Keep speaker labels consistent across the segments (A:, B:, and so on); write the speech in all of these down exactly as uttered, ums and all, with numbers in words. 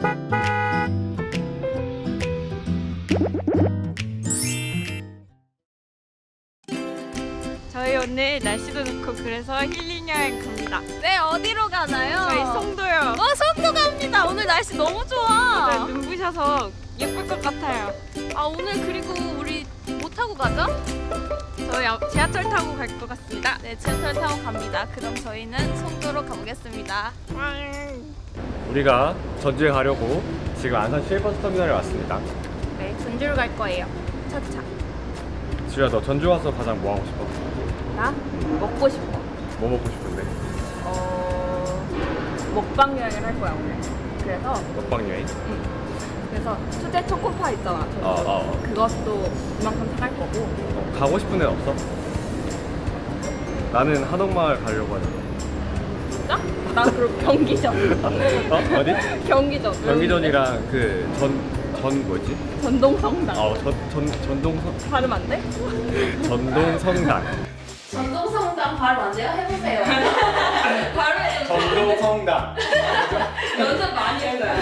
A: 저희 오늘 날씨도 좋고 그래서 힐링 여행 갑니다.
B: 네, 어디로 가나요?
A: 저희 송도요.
B: 어, 송도 갑니다. 오늘 날씨 너무 좋아.
A: 네, 눈부셔서 예쁠 것 같아요.
B: 아, 오늘 그리고 우리 뭐 타고 가죠?
A: 저희 앞- 지하철 타고 갈 것 같습니다.
B: 네, 지하철 타고 갑니다. 그럼 저희는 송도로 가보겠습니다.
C: 우리가 전주에 가려고 지금 안산 시외버스 터미널에 왔습니다.
B: 네, 전주로 갈 거예요. 차차.
C: 지우야, 너 전주 와서 가장 뭐 하고 싶어?
B: 나 먹고 싶어.
C: 뭐 먹고 싶은데?
B: 어, 먹방 여행을 할 거야 오늘. 그래서
C: 먹방 여행?
B: 그래서 수제 초코파 있잖아. 저거.
C: 어, 어.
B: 그것도 이만큼 사갈 거고.
C: 어, 가고 싶은 데는 없어? 나는 한옥마을 가려고 하잖아.
B: 진짜? 난 그럼 경기전.
C: 어? 어디?
B: 경기전.
C: 경기전이랑 그 전, 전 뭐지?
B: 전동성당.
C: 어, 전, 전, 전동성,
B: 발음 안 돼?
C: 전동성당.
B: 전동성당 발음 안 돼요? 해보세요. 발음해.
C: 전동성당.
B: 연습 많이 했어요.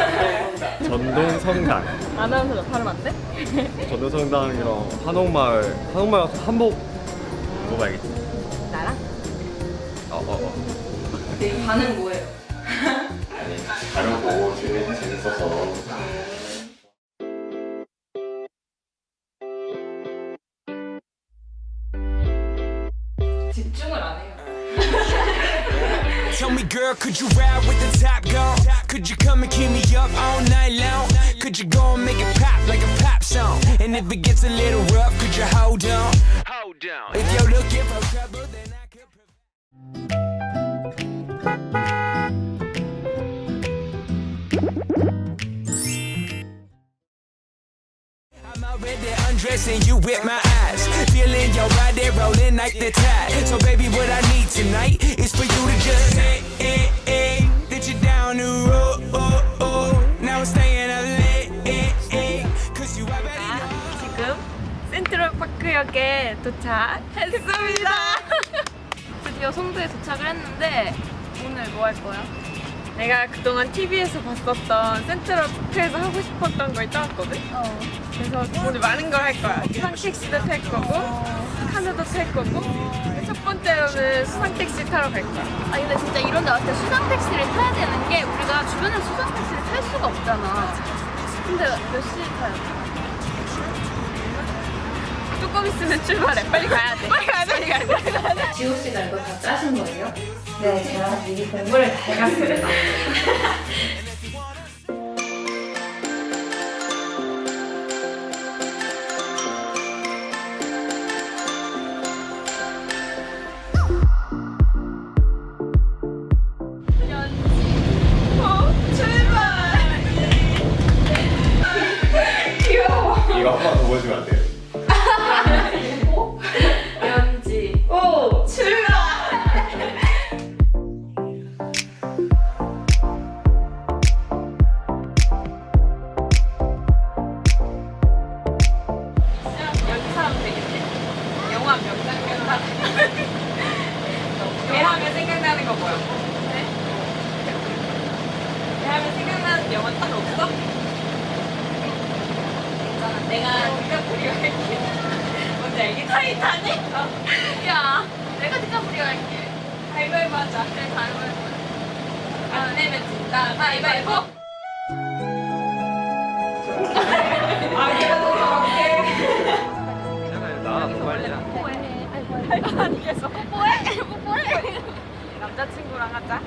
C: 전동성당.
B: 아나운서 발음 안 돼?
C: 전동성당이랑 한옥마을. 한옥마을 가서 한복 먹어야겠지.
B: 나랑?
C: 어, 어, 어.
B: 내 반응 뭐예요?
C: 아니, 가려고 재밌, 재밌어서.
B: 집중을 안 해요.
D: Tell me, girl, could you ride with the top gun? Could you come and keep me up all night long? Could you go and make it pop like a pop song? And if it gets a little rough, could you hold on? Hold on. If you're looking for trouble, then I could I'm already undressing you with my eyes, feeling your body rolling like the tide. So baby, what I need tonight is for you to just say, eh, eh, that you're down the road. Oh, oh. Now I'm staying up late, eh, eh, cause you already
A: 아,
D: know.
A: 지금 센트럴파크역에 도착했습니다.
B: 드디어 송도에 도착을 했는데 오늘 뭐 할 거야?
A: 내가 그동안 티비에서 봤었던 센트럴파크에서 하고 싶었던 걸 따왔거든?
B: 어.
A: 그래서 오늘 많은 걸 할 거야. 수상택시도 탈 거고, 카누도 탈 거고, 첫 번째로는 수상택시 타러 갈 거야.
B: 아 근데 진짜 이런 데 왔을 때 수상 택시를 타야 되는 게 우리가 주변에 수상 택시를 탈 수가 없잖아. 근데 몇 시에 타요?
A: 조금 있으면 출발해. 빨리 가야 돼. 빨리 가야 돼. 빨리 가야 돼. 빨리 가야 돼.
E: 지호 씨가 이거 다 짜신 거예요? 네, 제가 미리 공부를 다 해갔습니다.
C: 이거 한 번 더 보여주면 안 돼요?
B: 연지.
A: 오! 출발! 여기 사람 되겠네. 영화 명장면 하나. 배 하면 생각나는 거 뭐야? 네? 배 하면 생각나는 영화 딱 없어? 괜찮아. 내가 디카프리오 할게. 뭔지 알겠지? 타이타닉? 어.
B: 야, 내가 디카프리오 할게.
A: 가위바위보 하자.
B: 그래, 가위바위보.
A: 안 내면 진다. 가위바위보. 아, 내가 너무 할게.
C: 나 너무 빨리.
B: 뽀뽀해. 아이고,
A: 아니, 계속.
B: 뽀뽀해. 뽀뽀해.
A: 남자친구랑 하자.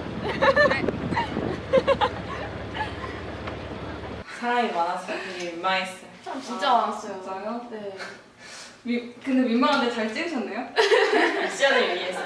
F: 사람이 많아서 되게 민망했어요.
B: 사람 진짜 많았어요.
F: 진짜요?
B: 네.
F: 미, 근데 민망한데 잘 찍으셨네요?
A: 미션을 위해서.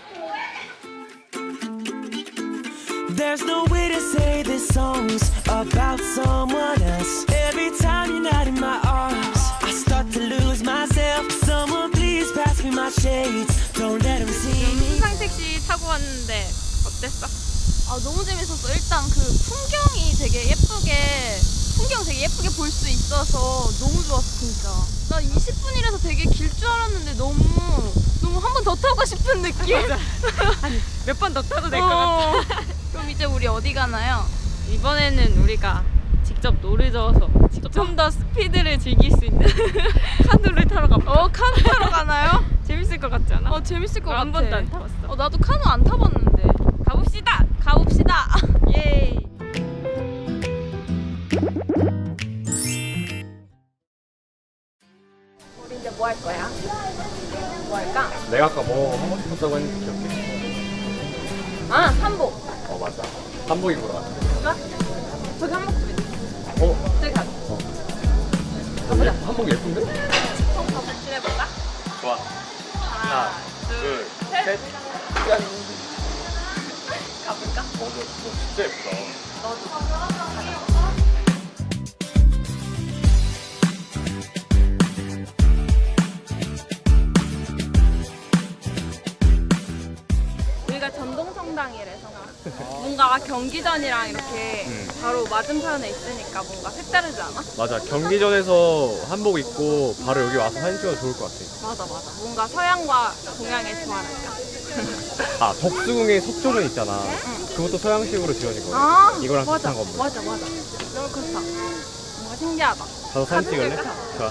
D: There's no way to say this song's about someone else. Every time you're not in my arms, I start to lose myself. Someone please pass me my shades. Don't let them see me.
A: 수상택시 타고 왔는데 어땠어?
B: 아 너무 재밌었어. 일단 그 풍경이 되게 예쁘게 풍경 되게 예쁘게 볼 수 있어서 너무 좋았어 진짜. 나 이십 분이라서 되게 길 줄 알았는데 너무 너무 한 번 더 타고 싶은 느낌.
A: 아니 몇 번 더 타도 될 것
B: 어.
A: 같아.
B: 그럼 이제 우리 어디 가나요? 이번에는 우리가 직접 노를 저어서 좀 더 스피드를 즐길 수 있는 카누를 타러 가볼까? 어, 카누 타러 가나요? 재밌을 것 같지 않아? 어, 재밌을 것 같아. 한 번도 안 타봤어. 어, 나도 카누 안 타봤는데. 가봅시다. 가봅시다. 예. 우리 이제 뭐 할 거야? 뭐 할까?
C: 내가 아까 뭐 하고 싶었다고 했는지 기억해?
B: 아, 한복.
C: 어 맞아. 한복 입으러 갔어.
B: 저기 한복 좀 있어.
C: 어?
B: 저기 가자.
C: 어.
B: 가보자.
C: 한복 예쁜데?
B: 한번 가보자. 해볼까?
C: 좋아. 하나, 둘, 셋. 짠.
B: 가볼까?
C: 어, 너, 너 진짜 예쁘다.
B: 여기가 전동성당이래서 뭔가 경기전이랑 이렇게
C: 음.
B: 바로 맞은편에 있으니까 뭔가 색다르지 않아?
C: 맞아. 경기전에서 한복 입고 바로 여기 와서 사진 찍어도 좋을 것 같아.
B: 맞아 맞아. 뭔가 서양과 동양의 조화랄까?
C: 아, 덕수궁에 석조전 있잖아. 그것도 서양식으로 지어진 거야.
B: 아
C: 이거랑
B: 맞아
C: 비슷한 건물.
B: 맞아 맞아. 너무 그렇다. 뭔가 신기하다.
C: 가서 사진 찍을래?
B: 찍을까?
C: 좋아.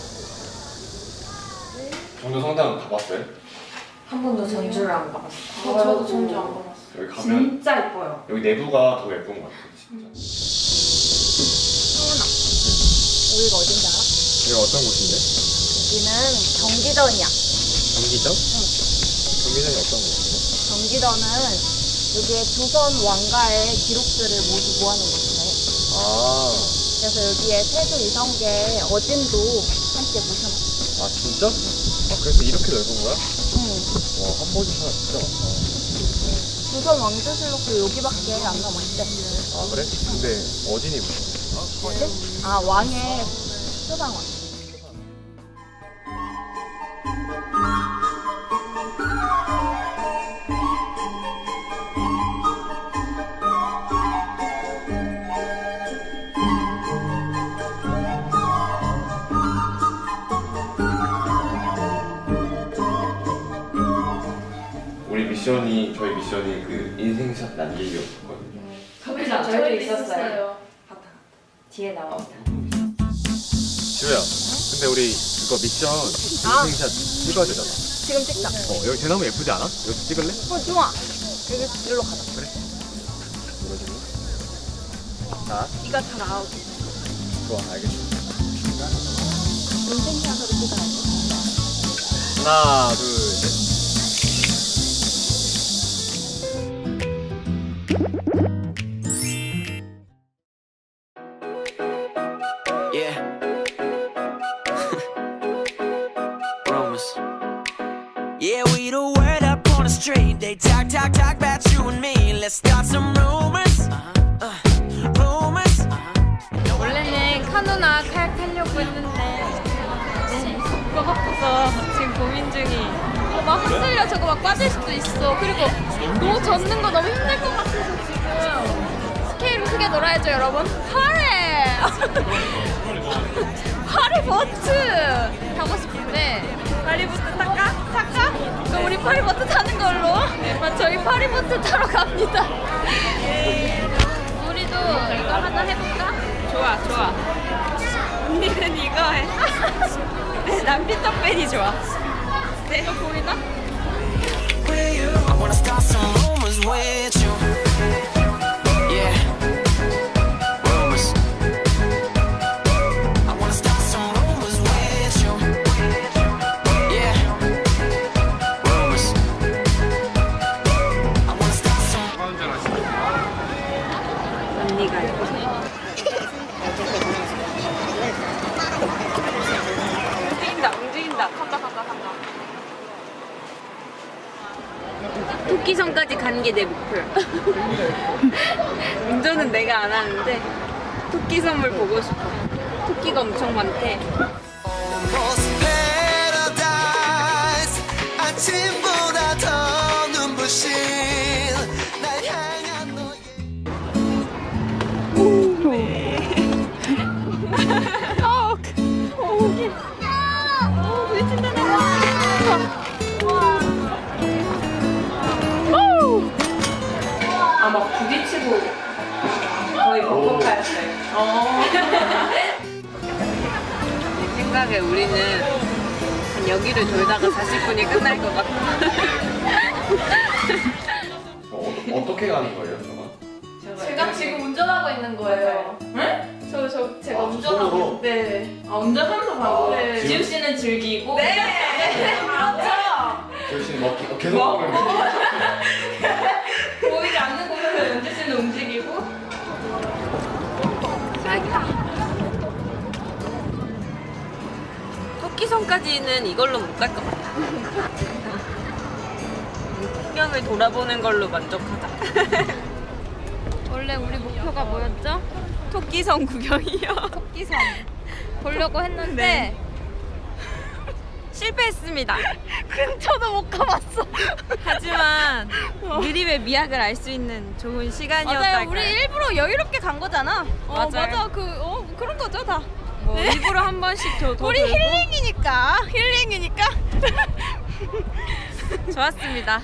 C: 정도 성당 가봤어요?
E: 한 번도 전주를 안 가봤어.
F: 어, 저도 전주 안 가봤어.
C: 여기 가면
E: 진짜 예뻐요.
C: 여기 내부가 더 예쁜 것 같아. 진짜.
B: 여기가 어딘지 알아?
C: 여기 어떤 곳인데?
B: 여기는 경기전이야.
C: 경기전? 응. 경기전이 어떤 곳인데?
B: 경기전은 여기에 조선 왕가의 기록들을 모두 모아놓은 곳이래.
C: 아,
B: 그래서 여기에 태조 이성계 어진도 함께 모셔놨어.
C: 아 진짜? 아 그래서 이렇게 넓은 거야?
B: 응.
C: 와, 한복이 하나 진짜 많다.
B: 조선 왕조실록도 여기밖에 안 남았대.
C: 아 그래? 근데 어진이 무슨?
B: 어진? 아 왕의 수상왕.
C: 우리 미션이 저희 미션이 그 인생샷 남기기였거든요.
E: 가보자. 저희도 있었어요. 뒤에 나옵니다.
C: 지우야, 근데 우리 그거 미션
B: 아.
C: 인생샷 찍어야 되잖아.
B: 지금 찍자.
C: 어 여기 대나무 예쁘지 않아? 여기 찍을래?
B: 어 좋아. 여기 일로 가자.
C: 그래. 이러지고. 자,
B: 네가 잘 나오고.
C: 좋아, 알겠어.
B: 인생샷으로 찍어야지.
C: 하나, 둘, 셋.
D: Yeah. Rumors. Yeah, we the word up on the street. They talk, talk, talk about you and me. Let's start some rumors. Uh, rumors.
B: 원래는 카누나 카약 타려고 했는데 그거 바빠서 지금 고민 중이. 어, 막 흔들려. 저거 막 빠질 수도 있어. 그리고 너무 젓는 거 너무 힘들 것 같아서 지금 스케일을 크게 놀아야죠, 여러분. 파리! 파리보트 타고 싶은데 파리보트 탈까? 탈까? 그럼 우리 파리보트 타는 걸로. 네, 저희 파리보트 타러 갑니다. 우리도 이거 하나 해볼까? 좋아, 좋아. 언니는 이거 해. 네, 난 피터팬이 좋아. 네, 이거 보이나?
D: I wanna start some rumors with you. Yeah. Rumors. I wanna start some rumors with you. Yeah. Rumors. I wanna start some.
B: 언니가 이거. 움직인다, 움직인다. 간다, 간다, 간다. 토끼섬까지 가는 게 내 목표야. 운전은 내가 안 하는데 토끼섬을 보고 싶어. 토끼가 엄청 많대.
D: Almost paradise. 아침보다 더 눈부신 날 향한 너의.
E: 아, 막 부딪히고
A: 내 생각에 우리는 한 여기를 돌다가 사십 분이 끝날 것 같아.
C: 어, 어떻게 가는 거예요, 저건?
B: 제가 지금 운전하고 있는 거예요.
F: 네?
B: 저, 저, 제가
C: 아,
B: 운전하고
C: 손으로?
B: 있는 네.
F: 아, 운전하면서 가고.
B: 네.
F: 지우 씨는 즐기고.
B: 네, 그렇죠.
C: 저희 씨는 뭐, 어, 계속
F: 뭐?
C: 먹는 거예요.
F: 보이지 않는 곳에서 연주 씨는 움직이고.
A: 토끼섬까지는 이걸로 못 갈 것 같아. 풍경을 돌아보는 걸로 만족하자.
B: 원래 우리 목표가 뭐였죠?
A: 토끼섬 구경이요.
B: 토끼섬 보려고 했는데
A: 네. 실패했습니다.
B: 근처도 못 가봤어.
A: 하지만 느림의 미학을 알 수 있는 좋은 시간이었달까요?
B: 맞아요. 우리 일부러 여유롭게 간 거잖아. 어,
A: 맞아요.
B: 맞아. 그 어, 그런 거죠, 다.
A: 뭐 일부러 한 번씩 더, 더
B: 우리
A: 돌고.
B: 힐링이니까. 힐링이니까.
A: 좋았습니다.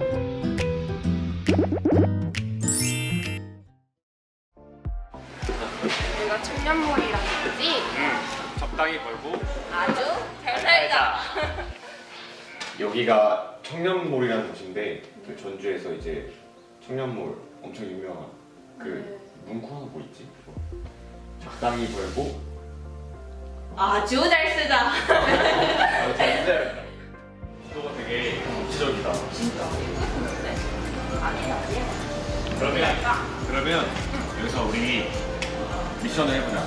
B: 내가 청년몰이라는 거지?
C: 적당히 벌고
B: 아주 잘 살자.
C: 여기가 청년몰이라는 곳인데 그 전주에서 이제 청년몰 엄청 유명한 그 문구 하나 뭐 있지? 그거. 적당히 벌고
F: 아주 잘 쓰자.
C: 아, 근데 구도가 되게 정치적이다. 진짜. 그러면 그러면 여기서 우리 미션을 해보자.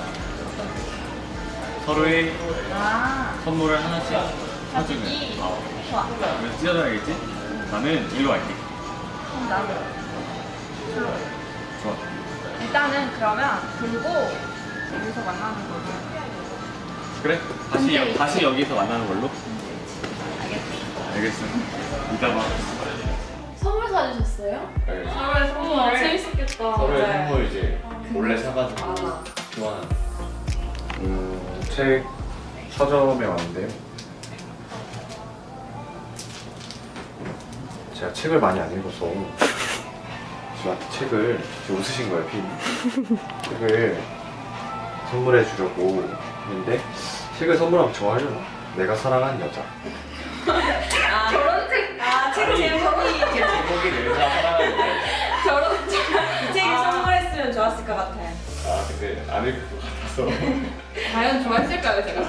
C: 서로의 선물을 하나씩 사주는. 어. 그래서 찢어져야겠지? 나는 일로 갈게.
F: 나는.
C: 좋아.
F: 일단은 그러면 들고 여기서 만나는 거죠.
C: 그래? 다시 여, 다시 여기서 만나는 걸로? 알겠어. 이따 봐.
B: 선물 사주셨어요?
C: 네.
F: 서로의 선물.
B: 와, 재밌었겠다.
C: 서로의
F: 네.
C: 선물 이제 몰래 사가지고 교환하는. 음, 책 서점에 왔는데요. 제가 책을 많이 안 읽어서 저한테 책을 지금 웃으신 거예요, 핀. 책을 선물해 주려고 했는데 책을 선물하면 좋아하려나? 내가 사랑한 여자.
F: 아, 저런 책. 아, 책 제목이.
C: 제목이 내가 사랑한 여자.
F: 저런 책. 이 책을 선물했으면 좋았을 것 같아요.
C: 아 근데 안 읽을 것 같아서.
F: 과연 좋아했을까요, 제가?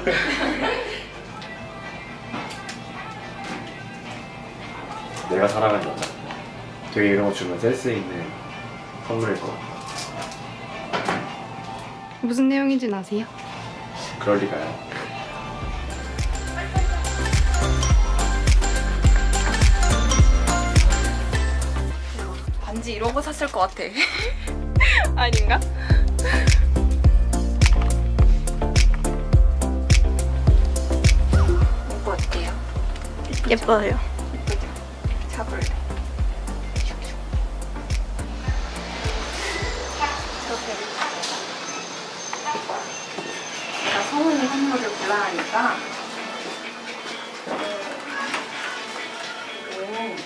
C: 내가 사랑한 여자. 되게 이런 거 주면 센스 있는 선물일 것 같아.
G: 무슨 내용인지 아세요?
C: 그럴 리가요.
A: 반지 이런 거 샀을 것 같아. 아닌가? 이거 어때요?
B: 예뻐요.
A: 잡을래.
E: 제가 성훈이 선물을 골라 하니까 이거는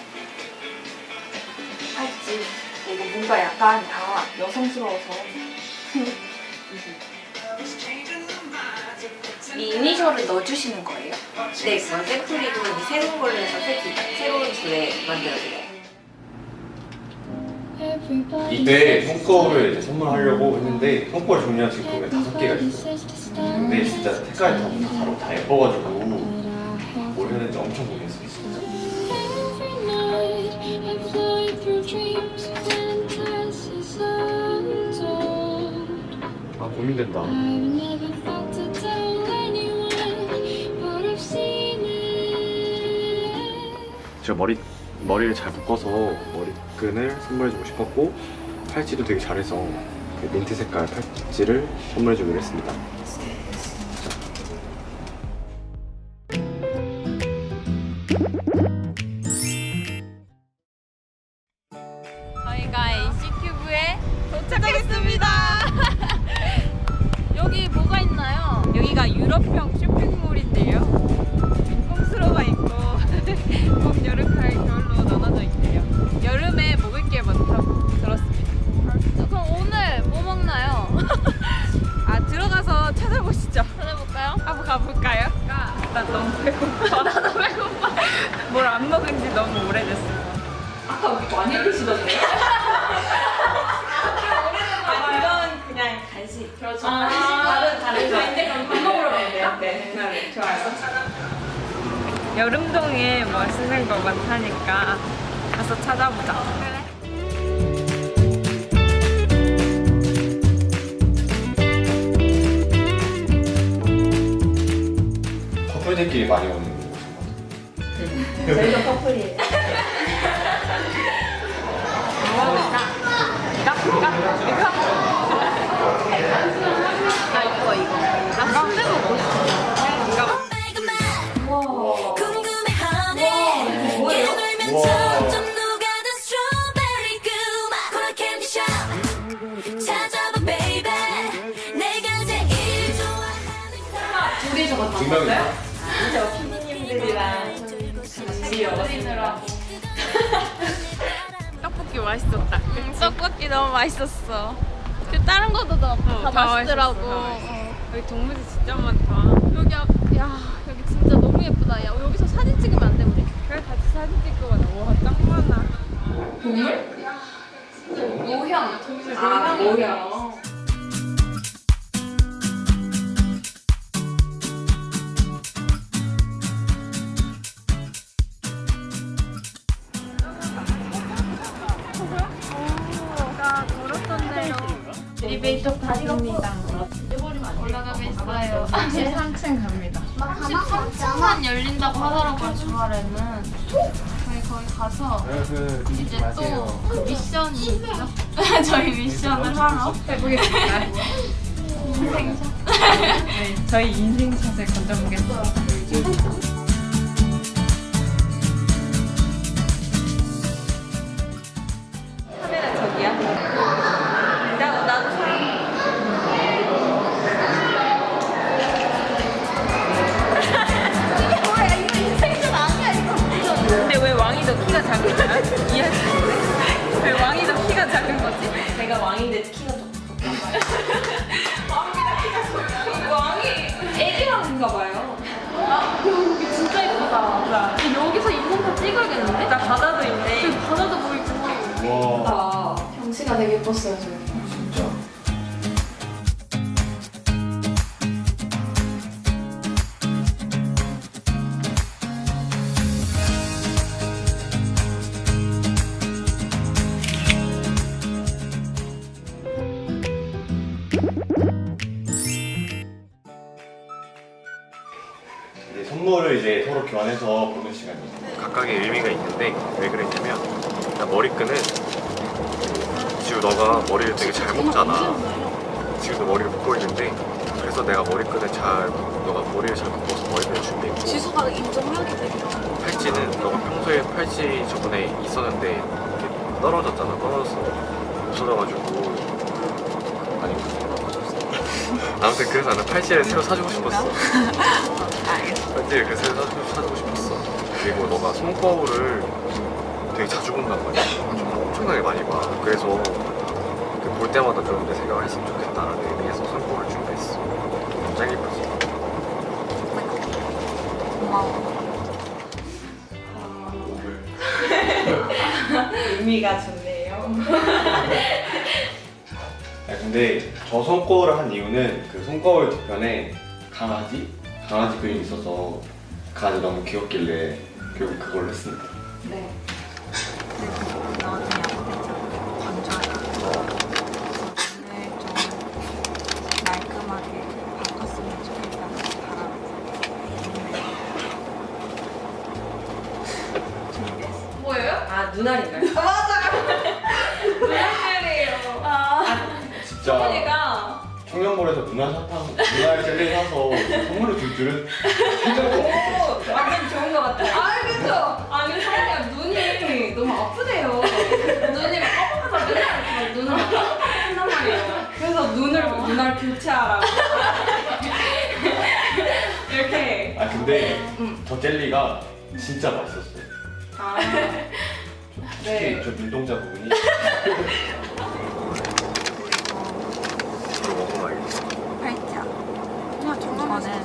E: 팔찌. 이거 뭔가 약간 다 여성스러워서 이 이니셜을 넣어주시는 거예요? 네, 그건 샘플이고 이 새로운 걸로 해서 색이 새로운 줄에 만들어드려요.
C: 이때 손거울을 이제 선물하려고 했는데 손거울 종류가 지금 보면 다섯 개가 있어요. 근데 진짜 색깔이 다, 다 다르고 다 예뻐가지고 뭘 해야 되는지 엄청 고민했어요. 진짜. 아 고민된다. 제가 머리 머리를 잘 묶어서 머리끈을 선물해주고 싶었고 팔찌도 되게 잘해서 그 민트 색깔 팔찌를 선물해주기로 했습니다.
A: 저희가 에이씨큐브에 도착했습니다.
B: 여기 뭐가 있나요?
A: 여기가 유럽형 쇼핑몰인데요. 꼼수로가 있고 봄, 여름, 가을, 겨울로 나눠져 있대요. 여름에 먹을 게 많다고 들었습니다.
B: 그럼 오늘 뭐 먹나요?
F: 많이 드시던데요?
E: 아, 그건 그냥 간식.
F: 그렇죠.
E: 아, 다른 다른 거.
F: 이제 그럼 밥 먹으러 가면 돼요? 네. 네. 좋아요.
A: 여름동에 맛있는 거 많다니까 가서 찾아보자.
C: 커플들끼리 많이 오는 곳인 것 같아요.
E: 저희도 커플이에요.
B: 나 이거 이거. 나 순대 먹고 싶어.
H: 궁금해하네
C: 우와.
H: 깨물면 점점 녹아든 스트로베리 그맛 콜라 캔디샵 찾아봐 베이베 내가 제일 좋아하는
F: 둘이 저거 다
C: 두 명이서?
F: 먹었어요?
E: 저 피디님들이랑 같이 먹었습니다.
A: 떡볶이 맛있었다.
B: 응, 떡볶이 너무 맛있었어. 그 다른 것도 다,
A: 어,
B: 다
A: 다
B: 맛있더라고.
A: 맛있었어, 다 맛있었어.
B: 어.
A: 여기 동물이 진짜 많다.
B: 여기 앞, 야 여기 진짜 너무 예쁘다. 야 여기서 사진 찍으면 안 돼 우리?
A: 그래 같이 사진 찍고 가자. 와, 짱 많아.
B: 모형. 동물
E: 아, 뭐야.
B: 나 걸었던 대로
E: 엘리베이터 타입니다.
B: 올라가고 있어요.
A: 십삼 층 갑니다.
B: 십삼 층만 열린다고 하더라고요 주말에는. 저희 거기 가서 이제 또 그 미션이 있죠. 저희 미션을 하러
A: 해보겠습니다.
B: 인생샷.
A: 네, 저희 인생샷을 건져보겠습니다. 카메라 저기야? 나, 나도 사진. 근데 왜 왕이 더 키가 작은 거야? 이해할 수 있어. 왜 왕이 더 키가 작은 거지?
E: 제가 왕인데 키가 좀 작아요.
F: 왕이 애기 왕인가 봐요.
B: 여기 진짜 예쁘다. 여기서 인생샷 찍어야겠는데?
A: 나 바다도 있네.
B: 여기 바다도 보이고.
C: 와,
B: 경치가 되게 예뻤어요 지금.
C: 진짜. 이제 선물을 이제 서로 교환해서 보는 시간이에요. 각각의 의미가 있는데 왜 그랬냐면 나 머리끈은 지우 너가 머리를 되게 잘 묶잖아. 지우도 머리를 묶고 있는데 그래서 내가 머리끈을 잘 너가 머리를 잘 묶어서 머리끈을 준비했고
B: 지수가 인정하게 되겠다.
C: 팔찌는 너가 평소에 팔찌 저번에 있었는데 이렇게 떨어졌잖아. 떨어졌어. 없어져가지고 아니 아무튼 그래서 나는 팔찌를 새로 사주고 싶었어. 팔찌를 그래서 새로 사주고, 사주고 싶었어. 그리고 너가 손거울을 되게 자주 본단 말이야. 정말 엄청나게 많이 봐. 그래서 그 볼 때마다 좀 내 생각을 했으면 좋겠다라는 의미에서 손거울을 준비했어. 짱 예쁘지?
E: 의미가 좋네요.
C: 아, 근데 저 손거울을 한 이유는 그 손거울 뒤편에 강아지? 강아지 그림이 있어서 강아지 너무 귀엽길래 결국 그걸로 했습니다.
E: 네.
F: 뭐예요?
E: 아, 눈알인가요?
F: 눈알이에요.
C: 진짜
F: 어머니가
C: 청년몰에서 눈알 사탕, 눈알 젤리 사서 선물로 줄 줄은 생각도 못했어.
E: 완전 좋은 것 같아요.
F: 아 그쵸? 아니 사람이 눈이 너무 아프대요. 눈이 막 깜빡하다 맨날 막 눈을 막 깜빡한단 말이에요. 그래서 눈을 눈알 교체하라고 이렇게.
C: 아 근데 저 젤리가 진짜 맛있었어요.
F: 아
C: 특히
F: 네.
C: 저 눈동자 부분이 이거 먹으면 알겠어.
I: 팔찌야. 이거는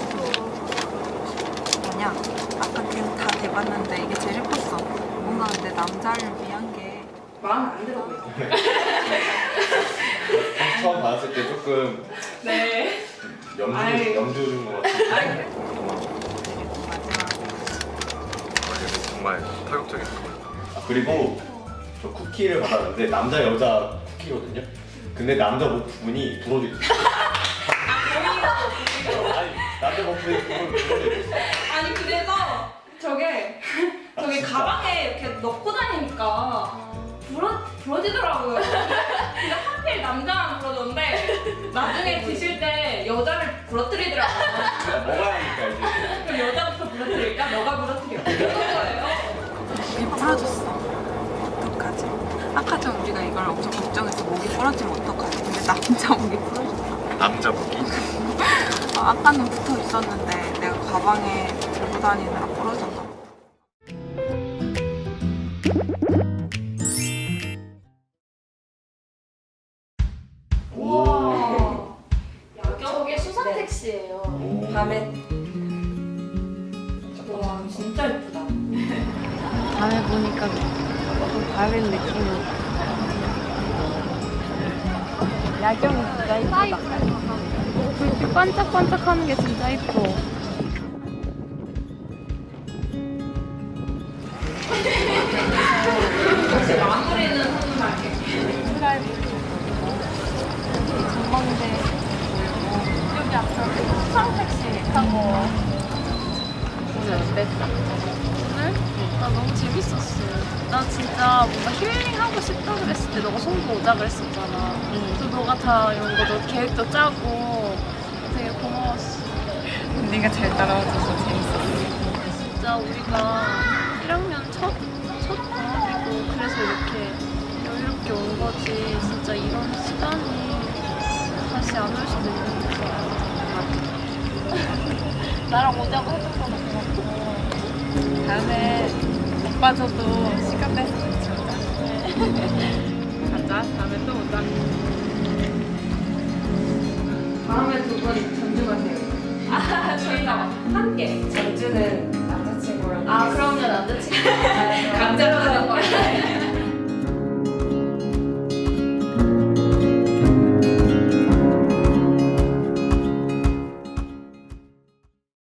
I: 뭐냐? 아까 그다 대봤는데 이게 제일 예뻤어. 뭔가 근데 남자를 위한 게
F: 마음에 안 들어 보여.
C: 처음 봤을 때 조금
F: 네.
C: 염주,
F: 아이.
C: 염주 준 것 같은데.
F: 아이, 그래.
C: 그래서 정말 파격적인 거. 아, 그리고 저 쿠키를 받았는데 남자 여자 쿠키거든요. 근데 남자 목 부분이 부러져 있어. 아니 남자 목 부분이 부러져 있어.
F: 아니 그래서 저게 저게 가방에 이렇게 넣고 다니니까 부러 부러지더라고요. 근데 하필 남자만 부러졌는데 나중에 드실 때 여자를 부러뜨리더라고요.
C: 먹어야 하니까 이제.
F: 그럼 여자부터 부러뜨릴까? 너가 부러뜨려. 그런 거예요.
I: 목이 부러졌어. 어떡하지? 아까 전 우리가 이걸 엄청 걱정했어. 목이 부러지면 어떡하지? 근데 남자 목이 부러졌어.
C: 남자 목이?
I: 어, 아까는 붙어 있었는데 내가 가방에 들고 다니느라 부러졌나 봐.
C: 오.
B: 저게 수상 택시예요.
C: 오.
F: 밤에 와 진짜 예쁘다.
G: 밤에 보니까 좀 다른 느낌이. 야경이 진짜 이쁘다. 불빛 반짝반짝하는 게 진짜 이뻐.
F: 혹시 마무리는 선물할게.
G: 전망대 여기 앞에 수상 택시 타고 오늘 어땠어?
B: 오늘? 나 너무 재밌었어. 나 진짜 뭔가 힐링하고 싶다 그랬을 때 너가 송도 오자 그랬었잖아. 또 너가 다 이런 거 너 계획도 짜고 되게 고마웠어.
G: 네가 잘 따라와줘서 재밌었어.
B: 진짜 우리가 일 학년 첫, 첫 방학이고 그래서 이렇게 여유롭게 온 거지. 진짜 이런 시간이 다시 안 올 수도 있는 거야.
G: 나랑 오자고 해줘서 고맙고. 다음에 오빠 저도 시간 내서 같이 오자. 가자. 다음에 또 오자.
F: 다음에 두 분 전주 가세요. 아 저희가 함께 전주는